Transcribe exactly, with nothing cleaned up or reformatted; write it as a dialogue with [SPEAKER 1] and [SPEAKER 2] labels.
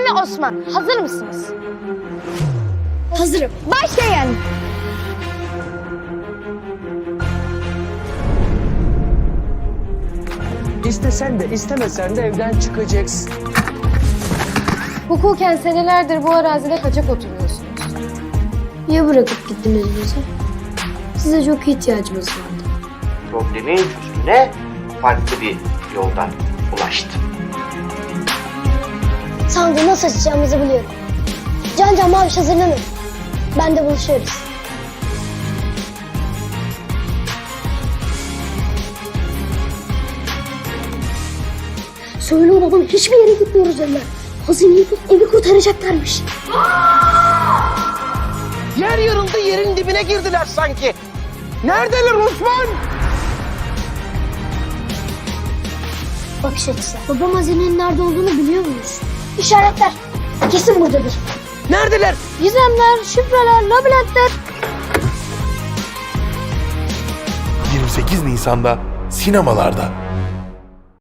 [SPEAKER 1] ve Osman. Hazır mısınız?
[SPEAKER 2] Hazırım.
[SPEAKER 1] Başlayın.
[SPEAKER 3] İstesen de istemesen de evden çıkacaksın.
[SPEAKER 2] Hukuken senelerdir bu arazide kaçak oturuyorsunuz. Niye bırakıp gittiniz bizi? Size çok ihtiyacımız vardı.
[SPEAKER 4] Problemin çözümüne farklı bir yoldan ulaştım.
[SPEAKER 5] Sandığı nasıl açacağımızı biliyorum. Can Can Maviş hazırlanın. Ben de buluşuyoruz. Söyle babam hiçbir yere gitmiyoruz dediler. Hazineyi bulup evi kurtaracaklarmış.
[SPEAKER 3] Yer yarıldı, yerin dibine girdiler sanki. Neredeler Osman?
[SPEAKER 5] Bakış açısı. Babam hazinenin nerede olduğunu biliyor muyuz? İşaretler. Kesin buradadır.
[SPEAKER 3] Neredeler?
[SPEAKER 5] Gizemler, şifreler, labirentler.
[SPEAKER 6] yirmi sekiz Nisan'da sinemalarda.